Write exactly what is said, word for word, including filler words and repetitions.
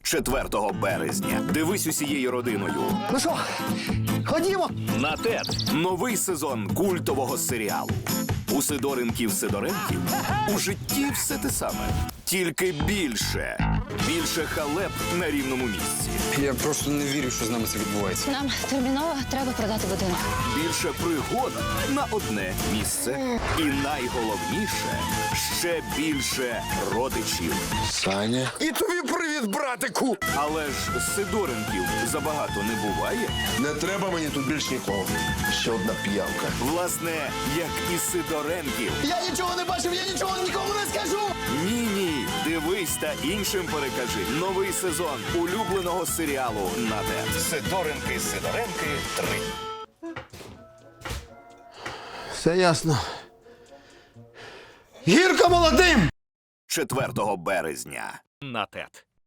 четвертого березня. Дивись усією родиною. Ну що, ходімо? На ТЕТ новий сезон культового серіалу. У Сидоренків Сидоренків у житті все те саме. Тільки більше. Більше халеп на рівному місці. Я просто не вірю, що з нами це відбувається. Нам терміново треба продати будинок. Більше пригод на одне місце. І найголовніше – ще більше родичів. Саня. І тобі привіт, братику! Але ж Сидоренків забагато не буває. Не треба мені тут більш нікого. Ще одна п'явка. Власне, як і Сидоренків. Я нічого не бачив, я нічого нікому не скажу! Ні-ні, дивись та іншим перекажи. Новий сезон улюбленого серіалу на ТЕТ. Сидоренки, Сидоренки три. Все ясно. Гірко молодим! четвертого березня на ТЕТ.